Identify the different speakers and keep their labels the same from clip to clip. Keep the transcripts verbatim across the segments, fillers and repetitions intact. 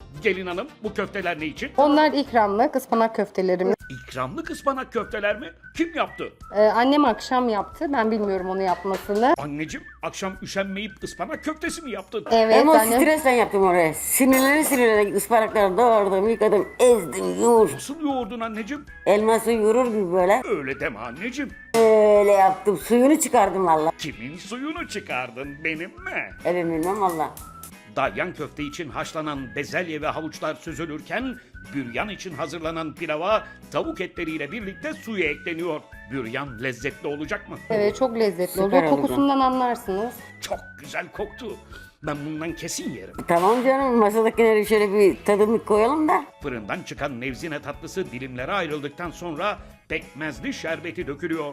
Speaker 1: Gelin hanım, bu köfteler ne için?
Speaker 2: Onlar ikramlık ıspanak köftelerimiz.
Speaker 1: İkramlık ıspanak köfteler mi? Kim yaptı?
Speaker 2: Ee, annem akşam yaptı. Ben bilmiyorum onu yapmasını.
Speaker 1: Anneciğim, akşam üşenmeyip ıspanak köftesi mi yaptın?
Speaker 2: Evet
Speaker 3: Ama
Speaker 2: annem.
Speaker 3: stresten yaptım oraya. Sinirleri sinirleri ıspanakları doğradım, yıkadım, ezdim, yoğurt.
Speaker 1: Nasıl yoğurdun anneciğim?
Speaker 3: Elması yoğurur gibi böyle.
Speaker 1: Öyle deme anneciğim.
Speaker 3: Öyle yaptım. Suyunu çıkardım valla.
Speaker 1: Kimin suyunu çıkardın, benim mi?
Speaker 3: Evet bilmem valla.
Speaker 1: Dalyan köfte için haşlanan bezelye ve havuçlar süzülürken büryan için hazırlanan pilava tavuk etleriyle birlikte suyu ekleniyor. Büryan lezzetli olacak mı?
Speaker 2: Evet çok lezzetli
Speaker 3: Süper
Speaker 2: oluyor.
Speaker 3: olacak.
Speaker 2: Kokusundan anlarsınız.
Speaker 1: Çok güzel koktu. Ben bundan kesin yerim.
Speaker 3: Tamam canım masadakileri şöyle bir tadımlık koyalım da.
Speaker 1: Fırından çıkan nevzine tatlısı dilimlere ayrıldıktan sonra pekmezli şerbeti dökülüyor.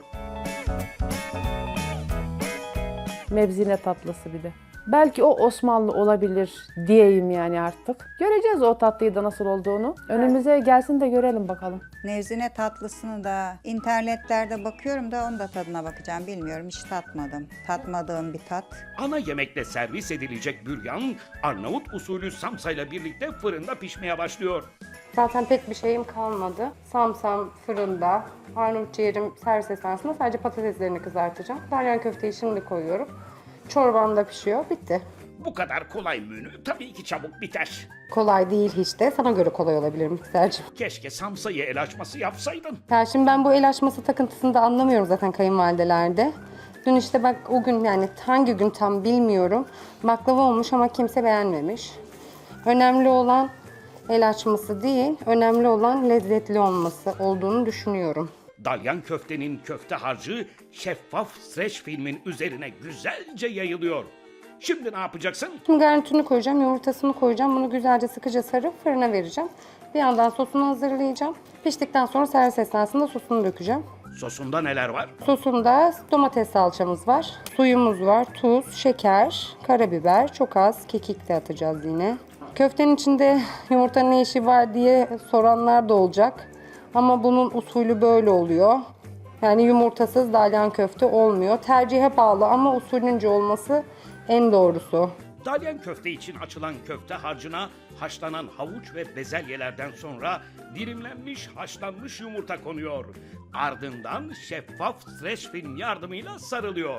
Speaker 4: Mevzine tatlısı bir de. Belki o Osmanlı olabilir diyeyim yani artık. Göreceğiz o tatlıyı da nasıl olduğunu. Önümüze gelsin de görelim bakalım.
Speaker 5: Nevzine tatlısını da internetlerde bakıyorum da onun da tadına bakacağım. Bilmiyorum, hiç tatmadım. Tatmadığım bir tat.
Speaker 1: Ana yemekle servis edilecek büryan Arnavut usulü samsayla birlikte fırında pişmeye başlıyor.
Speaker 2: Zaten pek bir şeyim kalmadı. Samsam fırında. Arnavut ciğerim servis esnasında sadece patateslerini kızartacağım. Dalyan köfteyi şimdi koyuyorum. Çorbam da pişiyor. Bitti.
Speaker 1: Bu kadar kolay menü tabii ki çabuk biter.
Speaker 2: Kolay değil hiç de. Sana göre kolay olabilir mikserciğim.
Speaker 1: Keşke samsayı el açması yapsaydın.
Speaker 2: Ya şimdi ben bu el açması takıntısını da anlamıyorum zaten kayınvalidelerde. Dün işte bak o gün yani hangi gün tam bilmiyorum. Baklava olmuş ama kimse beğenmemiş. Önemli olan el açması değil, önemli olan lezzetli olması olduğunu düşünüyorum.
Speaker 1: Dalyan köftenin köfte harcı şeffaf streç filmin üzerine güzelce yayılıyor. Şimdi ne yapacaksın?
Speaker 2: Şimdi garnitürünü koyacağım, yumurtasını koyacağım. Bunu güzelce sıkıca sarıp fırına vereceğim. Bir yandan sosunu hazırlayacağım. Piştikten sonra servis esnasında sosunu dökeceğim.
Speaker 1: Sosunda neler var?
Speaker 2: Sosunda domates salçamız var, suyumuz var, tuz, şeker, karabiber, çok az kekik de atacağız yine. Köftenin içinde yumurtanın ne işi var diye soranlar da olacak. Ama bunun usulü böyle oluyor. Yani yumurtasız dalyan köfte olmuyor. Tercihe bağlı ama usulünce olması en doğrusu.
Speaker 1: Dalyan köfte için açılan köfte harcına haşlanan havuç ve bezelyelerden sonra dilimlenmiş haşlanmış yumurta konuyor. Ardından şeffaf streç film yardımıyla sarılıyor.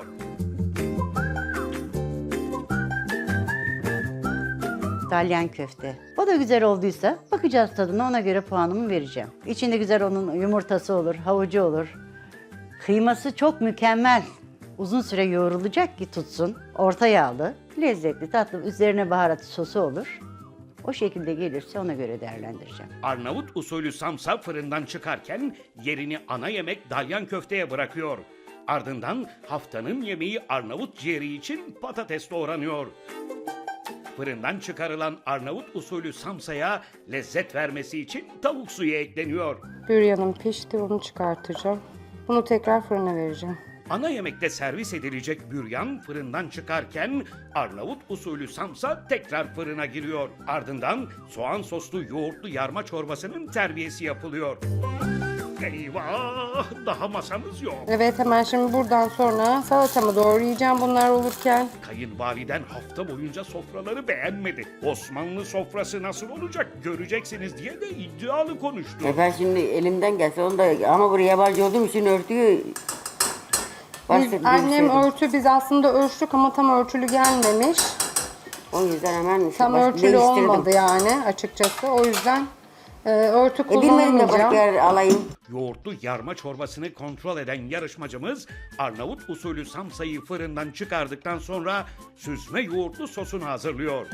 Speaker 6: Dalyan köfte. O da güzel olduysa bakacağız tadına, ona göre puanımı vereceğim. İçinde güzel onun yumurtası olur, havucu olur. Kıyması çok mükemmel. Uzun süre yoğrulacak ki tutsun. Orta yağlı, lezzetli, tatlı. Üzerine baharat sosu olur. O şekilde gelirse ona göre değerlendireceğim.
Speaker 1: Arnavut usulü samsa fırından çıkarken yerini ana yemek dalyan köfteye bırakıyor. Ardından haftanın yemeği Arnavut ciğeri için patates doğranıyor. Fırından çıkarılan Arnavut usulü samsaya lezzet vermesi için tavuk suyu ekleniyor.
Speaker 2: Büryanım pişti, onu çıkartacağım. Bunu tekrar fırına vereceğim.
Speaker 1: Ana yemekte servis edilecek büryan fırından çıkarken Arnavut usulü samsa tekrar fırına giriyor. Ardından soğan soslu yoğurtlu yarma çorbasının terbiyesi yapılıyor. Eyvah! Daha masamız yok.
Speaker 2: Evet hemen şimdi buradan sonra salatamı doğrayacağım bunlar olurken.
Speaker 1: Kayınvaliden hafta boyunca sofraları beğenmedi. Osmanlı sofrası nasıl olacak göreceksiniz diye de iddialı konuştu.
Speaker 3: E ben şimdi elimden gelse onu da ama buraya yabancı olduğum için örtüyü
Speaker 2: Biz,
Speaker 3: bahsetmek
Speaker 2: annem
Speaker 3: istedim.
Speaker 2: örtü biz aslında ölçtük ama tam örtülü gelmemiş.
Speaker 3: O yüzden hemen
Speaker 2: Tam
Speaker 3: baş-
Speaker 2: örtülü
Speaker 3: değiştirdim.
Speaker 2: olmadı yani açıkçası. O yüzden e, örtü
Speaker 3: E bilmedim de başka
Speaker 2: kullanmayacağım.
Speaker 3: yer alayım.
Speaker 1: Yoğurtlu yarma çorbasını kontrol eden yarışmacımız Arnavut usulü samsayı fırından çıkardıktan sonra süzme yoğurtlu sosunu hazırlıyor.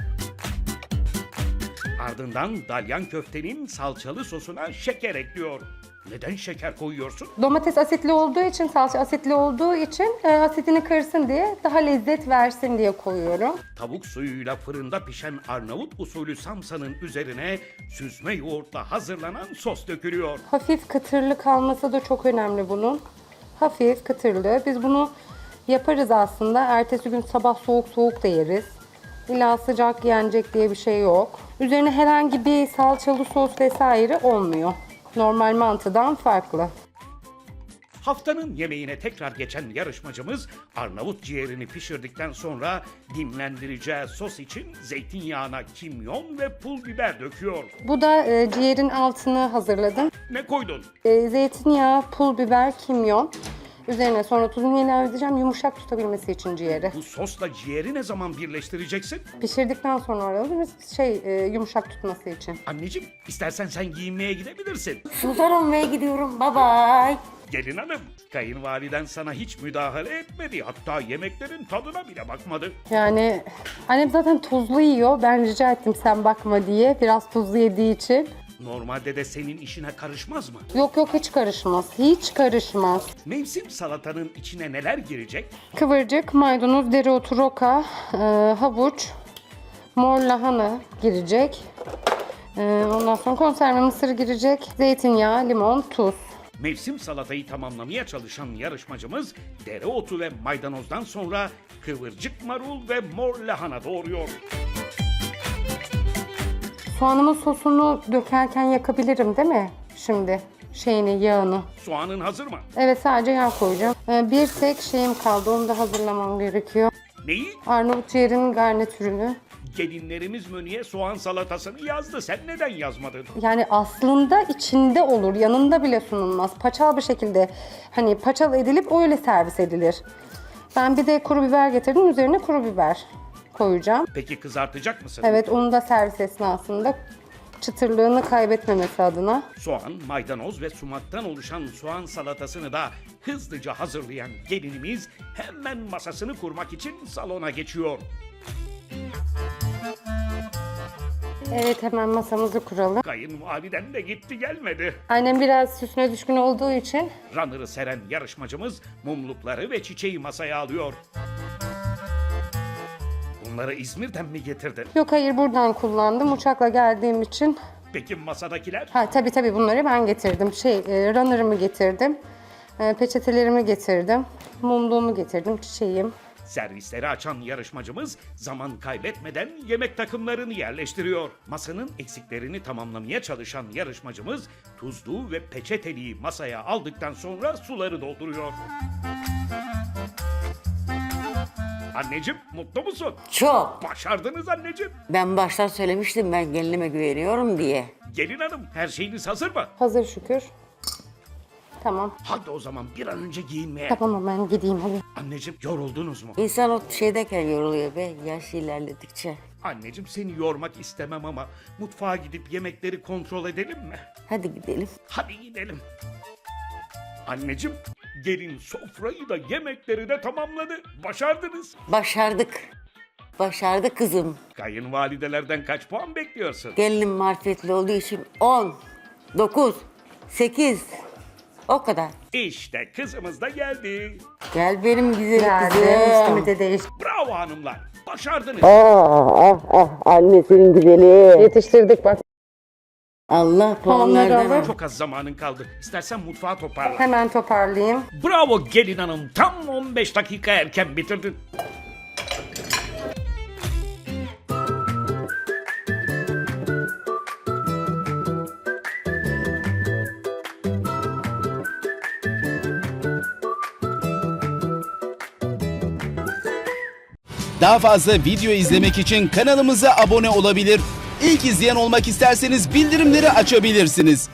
Speaker 1: Ardından dalyan köftenin salçalı sosuna şeker ekliyor. Neden şeker koyuyorsun?
Speaker 2: Domates asitli olduğu için, salça asitli olduğu için e, asitini kırsın diye, daha lezzet versin diye koyuyorum.
Speaker 1: Tavuk suyuyla fırında pişen Arnavut usulü samsanın üzerine süzme yoğurtla hazırlanan sos dökülüyor.
Speaker 2: Hafif kıtırlı kalması da çok önemli bunun. Hafif kıtırlı. Biz bunu yaparız aslında. Ertesi gün sabah soğuk soğuk da yeriz. İlla sıcak yenecek diye bir şey yok. Üzerine herhangi bir salçalı sos vesaire olmuyor. Normal mantıdan farklı.
Speaker 1: Haftanın yemeğine tekrar geçen yarışmacımız Arnavut ciğerini pişirdikten sonra dinlendireceği sos için zeytinyağına kimyon ve pul biber döküyor.
Speaker 2: Bu da e, ciğerin altını hazırladım.
Speaker 1: Ne koydun?
Speaker 2: E, zeytinyağı, pul biber, kimyon. Üzerine sonra tuzunu ilave edeceğim yumuşak tutabilmesi için ciğeri.
Speaker 1: Bu sosla ciğeri ne zaman birleştireceksin?
Speaker 2: Pişirdikten sonra alıyoruz şey e, yumuşak tutması için.
Speaker 1: Anneciğim, istersen sen giyinmeye gidebilirsin.
Speaker 3: Sultan olmaya gidiyorum. Bye bye.
Speaker 1: Gelin hanım, kayınvaliden sana hiç müdahale etmedi. Hatta yemeklerin tadına bile bakmadı.
Speaker 2: Yani annem zaten tuzlu yiyor. Ben rica ettim sen bakma diye. Biraz tuzlu yediği için.
Speaker 1: Normalde de senin işine karışmaz mı?
Speaker 2: Yok yok hiç karışmaz. Hiç karışmaz.
Speaker 1: Mevsim salatanın içine neler girecek?
Speaker 2: Kıvırcık, maydanoz, dereotu, roka, e, havuç, mor lahana girecek. E, ondan sonra konserve mısır girecek. Zeytinyağı, limon, tuz.
Speaker 1: Mevsim salatayı tamamlamaya çalışan yarışmacımız dereotu ve maydanozdan sonra kıvırcık marul ve mor lahana doğruyor.
Speaker 2: Soğanımın sosunu dökerken yakabilirim değil mi? Şimdi şeyini, yağını.
Speaker 1: Soğanın hazır mı?
Speaker 2: Evet sadece yağ koyacağım. E, bir tek şeyim kaldı. Onu da hazırlamam gerekiyor.
Speaker 1: Neyi?
Speaker 2: Arnavut ciğerinin garnitürünü.
Speaker 1: Gelinlerimiz menüye soğan salatasını yazdı. Sen neden yazmadın?
Speaker 2: Yani aslında içinde olur, yanında bile sunulmaz. Paçal bir şekilde hani paçal edilip öyle servis edilir. Ben bir de kuru biber getirdim, üzerine kuru biber koyacağım.
Speaker 1: Peki kızartacak mısın?
Speaker 2: Evet, onu da servis esnasında çıtırlığını kaybetmemesi adına.
Speaker 1: Soğan, maydanoz ve sumaktan oluşan soğan salatasını da hızlıca hazırlayan gelinimiz hemen masasını kurmak için salona geçiyor.
Speaker 2: Evet, hemen masamızı kuralım.
Speaker 1: Kayınvaliden de gitti gelmedi.
Speaker 2: Annem biraz süsüne düşkün olduğu için
Speaker 1: Runner'ı seren yarışmacımız mumlukları ve çiçeği masaya alıyor. Bunları İzmir'den mi getirdin?
Speaker 2: yok hayır buradan kullandım. Uçakla geldiğim için.
Speaker 1: Peki masadakiler?
Speaker 2: Ha tabii tabii bunları ben getirdim. Şey, e, runner'ımı getirdim. E, peçetelerimi getirdim. Mumluğumu getirdim, çiçeğim.
Speaker 1: Servisleri açan yarışmacımız zaman kaybetmeden yemek takımlarını yerleştiriyor. Masanın eksiklerini tamamlamaya çalışan yarışmacımız tuzluğu ve peçeteliği masaya aldıktan sonra suları dolduruyor. Anneciğim mutlu musun?
Speaker 3: Çok.
Speaker 1: Başardınız anneciğim.
Speaker 3: Ben baştan söylemiştim ben gelinime güveniyorum diye.
Speaker 1: Gelin hanım her şeyiniz hazır mı?
Speaker 2: Hazır şükür. Tamam.
Speaker 1: Hadi o zaman bir an önce giyinmeye.
Speaker 2: Tamam ben gideyim hadi.
Speaker 1: Anneciğim yoruldunuz mu?
Speaker 3: İnsan o şeydeyken yoruluyor be yaş ilerledikçe.
Speaker 1: Anneciğim seni yormak istemem ama mutfağa gidip yemekleri kontrol edelim mi?
Speaker 3: Hadi gidelim.
Speaker 1: Hadi gidelim. Anneciğim, gelin sofrayı da yemekleri de tamamladı. Başardınız.
Speaker 3: Başardık. Başardık kızım.
Speaker 1: Kayınvalidelerden kaç puan bekliyorsun?
Speaker 3: Gelinim marifetli olduğu için on, dokuz, sekiz. O kadar.
Speaker 1: İşte kızımız da geldi.
Speaker 3: Gel benim güzel
Speaker 2: Geldi.
Speaker 3: kızım.
Speaker 2: Üstümü de değiş.
Speaker 1: Bravo hanımlar. Başardınız.
Speaker 3: Ah ah ah annesinin güzeli.
Speaker 2: Yetiştirdik bak.
Speaker 3: Allah
Speaker 2: Puanları
Speaker 3: puanlardan.
Speaker 2: alır.
Speaker 1: Çok az zamanın kaldı. İstersen mutfağı toparla.
Speaker 2: Hemen toparlayayım.
Speaker 1: Bravo gelin hanım. Tam on beş dakika erken bitirdin.
Speaker 7: Daha fazla video izlemek için kanalımıza abone olabilir. İlk izleyen olmak isterseniz bildirimleri açabilirsiniz.